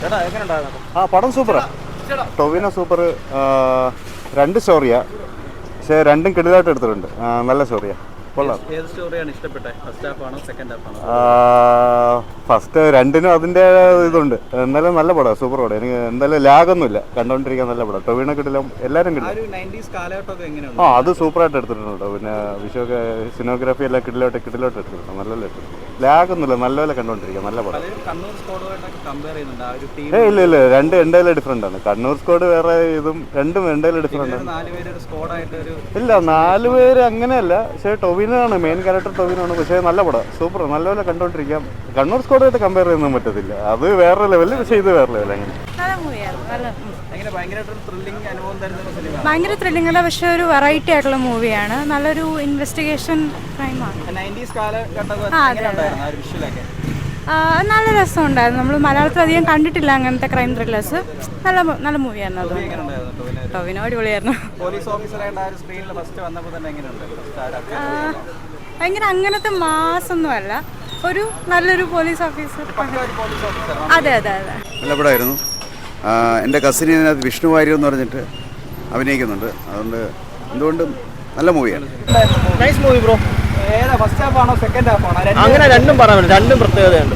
ആ പടം സൂപ്പറാ. ടൊവിനോ സൂപ്പർ. രണ്ട് സ്റ്റോറിയാ, പക്ഷേ രണ്ടും കിടിലായിട്ട് എടുത്തിട്ടുണ്ട്. നല്ല സ്റ്റോറിയാ, കൊള്ളാം. ഫസ്റ്റ് രണ്ടിനും അതിൻ്റെ ഇതുണ്ട്. എന്തായാലും നല്ല പടം, സൂപ്പർ പടം. എനിക്ക് എന്തായാലും ലാഗൊന്നുമില്ല, കണ്ടുകൊണ്ടിരിക്കാൻ നല്ല പടം. ടൊവിനോ കിടിലം, എല്ലാവരും കിടിലം. അത് സൂപ്പറായിട്ട് എടുത്തിട്ടുണ്ട്. പിന്നെ വിഷുവൊക്കെ സിനിമോഗ്രാഫി എല്ലാം കിടിലോട്ട് എടുത്തിട്ടുണ്ട്. നല്ല ലാഗൊന്നുമില്ല, നല്ലപോലെ കണ്ടുകൊണ്ടിരിക്കാം, നല്ല പടം. ഇല്ല, രണ്ട് എന്തായാലും ഡിഫറെൻ്റ് ആണ്. കണ്ണൂർ സ്ക്വാഡ് വേറെ, ഇതും രണ്ടും എന്തായാലും ഡിഫറെൻ്റ് ആണ്. ഇല്ല, 4 പേര് അങ്ങനെയല്ല, പക്ഷേ ടൊവിനോ ആണ് മെയിൻ ക്യാരക്ടർ. ടൊവിനോ ആണ്, പക്ഷേ നല്ല പടം, സൂപ്പർ, നല്ലപോലെ കണ്ടുകൊണ്ടിരിക്കാം. കണ്ണൂർ സ്ക്വാഡായിട്ട് കമ്പയർ ചെയ്യുന്നതും പറ്റത്തില്ല, അത് വേറെ ലെവല്, പക്ഷേ ഇത് വേറെ ലെവൽ. അങ്ങനെ ഭയങ്കര ത്രില്ലിംഗ് അല്ല, പക്ഷെ ഒരു വെറൈറ്റി ആയിട്ടുള്ള മൂവിയാണ്. നല്ലൊരു ഇൻവെസ്റ്റിഗേഷൻ ക്രൈമാണ്. നല്ല രസമുണ്ടായിരുന്നു. നമ്മൾ മലയാളത്തിൽ അധികം കണ്ടിട്ടില്ല അങ്ങനത്തെ ക്രൈം ത്രില്ലേഴ്സ്. നല്ല മൂവിയായിരുന്നു അത്. ടൊവിനോ അടിപൊളിയായിരുന്നു. ഭയങ്കര അങ്ങനത്തെ മാസൊന്നും അല്ല, ഒരു നല്ലൊരു പോലീസ് ഓഫീസർ. അതെ നല്ല പടമായിരുന്നു. എൻ്റെ കസിന് ഇതിനകത്ത് വിഷ്ണു വാര്യർ എന്ന് പറഞ്ഞിട്ട് അഭിനയിക്കുന്നുണ്ട്. അതുകൊണ്ട് എന്തുകൊണ്ടും നല്ല മൂവിയാണ്. Nice movie bro. അങ്ങനെ രണ്ടും പറയാൻ പറ്റും, രണ്ടും പ്രത്യേകതയുണ്ട്.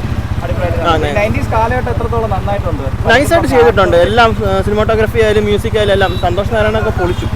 നൈസായിട്ട് ചെയ്തിട്ടുണ്ട് എല്ലാം. സിനിമാറ്റോഗ്രാഫി ആയാലും മ്യൂസിക് ആയാലും എല്ലാം. സന്തോഷ് നാരായണൊക്കെ പൊളിച്ചു.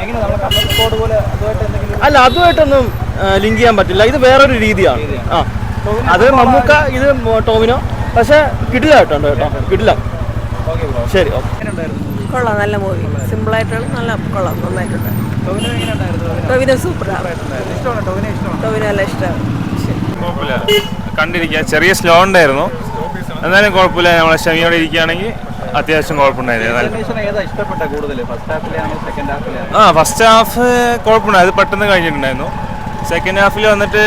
അല്ല, അതുമായിട്ടൊന്നും ലിങ്ക് ചെയ്യാൻ പറ്റില്ല, ഇത് വേറൊരു രീതിയാണ്. അത് മമ്മൂക്ക, ഇത് ടോവിനോ, പക്ഷെ കിടിലായിട്ടുണ്ട് കേട്ടോ, കിടിലം. ശരി, കൊള്ളാം, നല്ല മൂവി, സിമ്പിളായിട്ടുള്ള നല്ല കൊള്ളാം, നന്നായിട്ടുണ്ട്. ടൊവിനോ സൂപ്പറാണ്. ടൊവിനോ നല്ല ഇഷ്ടമാണ്. കണ്ടിരിക്കുക, ചെറിയ സ്ലോ ഉണ്ടായിരുന്നു, എന്നാലും കുഴപ്പമില്ല. നമ്മളെ ക്ഷമയോടെ ഇരിക്കുകയാണെങ്കിൽ അത്യാവശ്യം കുഴപ്പമുണ്ടായിരുന്നു. ഫസ്റ്റ് ഹാഫ് കുഴപ്പമുണ്ടായിരുന്നു, അത് പെട്ടെന്ന് കഴിഞ്ഞിട്ടുണ്ടായിരുന്നു. സെക്കൻഡ് ഹാഫിൽ വന്നിട്ട്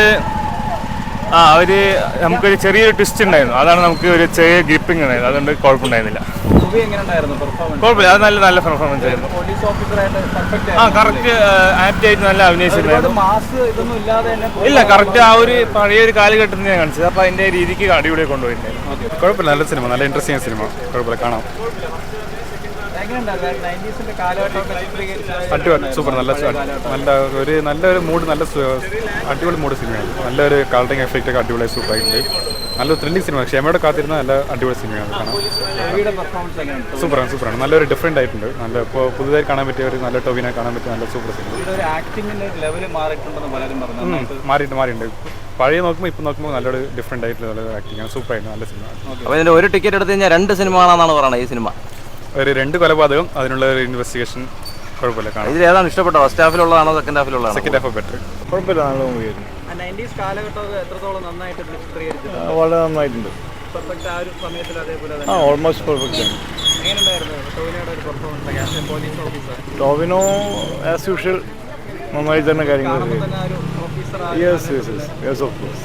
നമുക്കൊരു ചെറിയൊരു ട്വിസ്റ്റ് ഉണ്ടായിരുന്നു, അതാണ് നമുക്ക് ഒരു ചെറിയ ഗ്രിപ്പിംഗ് ഉണ്ടായിരുന്നു, അതുകൊണ്ട് കുഴപ്പമുണ്ടായിരുന്നില്ല. കുഴപ്പമില്ല, അത് നല്ല പെർഫോമൻസ് ആയിരുന്നു. കറക്റ്റ് ആപ്റ്റ് ആയിട്ട് നല്ല അഭിനയിച്ചിട്ടുണ്ടായിരുന്നു. ഇല്ല, കറക്റ്റ് ആ ഒരു പഴയൊരു കാലഘട്ടത്തിൽ ഞാൻ കാണിച്ചത്, അപ്പോൾ അതിൻ്റെ രീതിക്ക് അടിപൊളി കൊണ്ടുപോയിട്ടുണ്ടായിരുന്നു. കുഴപ്പമില്ല, നല്ല സിനിമ, നല്ല ഇൻട്രസ്റ്റിംഗ് സിനിമ, കുഴപ്പമില്ല, കാണാം. അടിപൊളി, സൂപ്പർ, നല്ലൊരു മൂഡ്, അടിപൊളി മൂഡ് സിനിമയാണ്. നല്ലൊരു കളറിംഗ് എഫക്റ്റ് ഒക്കെ അടിപൊളി സൂപ്പറായിട്ടുണ്ട്. നല്ലൊരു ത്രില്ലിംഗ് സിനിമ, ക്ഷമയോടെ കാത്തിരുന്ന നല്ല അടിപൊളി സിനിമയാണ്. കാണാം, സൂപ്പറാണ്. നല്ലൊരു ഡിഫറെൻ്റ് ആയിട്ടുണ്ട്. നല്ല ഇപ്പോൾ പുതുതായി കാണാൻ പറ്റിയ ഒരു നല്ല ടൊവിനെ കാണാൻ പറ്റിയ നല്ല സൂപ്പർ സിനിമ. മാറിയിട്ടുണ്ട്. പഴയ നോക്കുമ്പോൾ ഇപ്പം നോക്കുമ്പോൾ നല്ലൊരു ഡിഫറെൻ്റ് ആയിട്ടുള്ള നല്ല ആക്ടിങ് ആണ്, സൂപ്പറായിട്ട് നല്ല സിനിമ. അപ്പോൾ ഇതിൻ്റെ ഒരു ടിക്കറ്റ് എടുത്ത് കഴിഞ്ഞാൽ 2 സിനിമ കാണാമെന്നാണ് പറയുന്നത്. ഈ സിനിമ ഒരു 2 കൊലപാതകം, അതിനുള്ള ഒരു ഇൻവെസ്റ്റിഗേഷൻ, കുഴപ്പമില്ല, കാണാം. ഇതിൽ ഏതാണ് ഇഷ്ടപ്പെട്ടത്? ഫസ്റ്റ് ഹാഫിലുള്ളതാണോ സെക്കൻഡ് ഹാഫിലുള്ളതാണോ? Second half better. കുഴപ്പമില്ല, നല്ല മൂവിയായിരുന്നു. വളരെ നന്നായിട്ടുണ്ട്. ഓൾമോസ്റ്റ് പെർഫെക്റ്റ് ആണ്. ടോവിനോ ആസ് യൂഷ്വൽ നന്നായി തന്നെ കാര്യങ്ങൾ. Yes of course.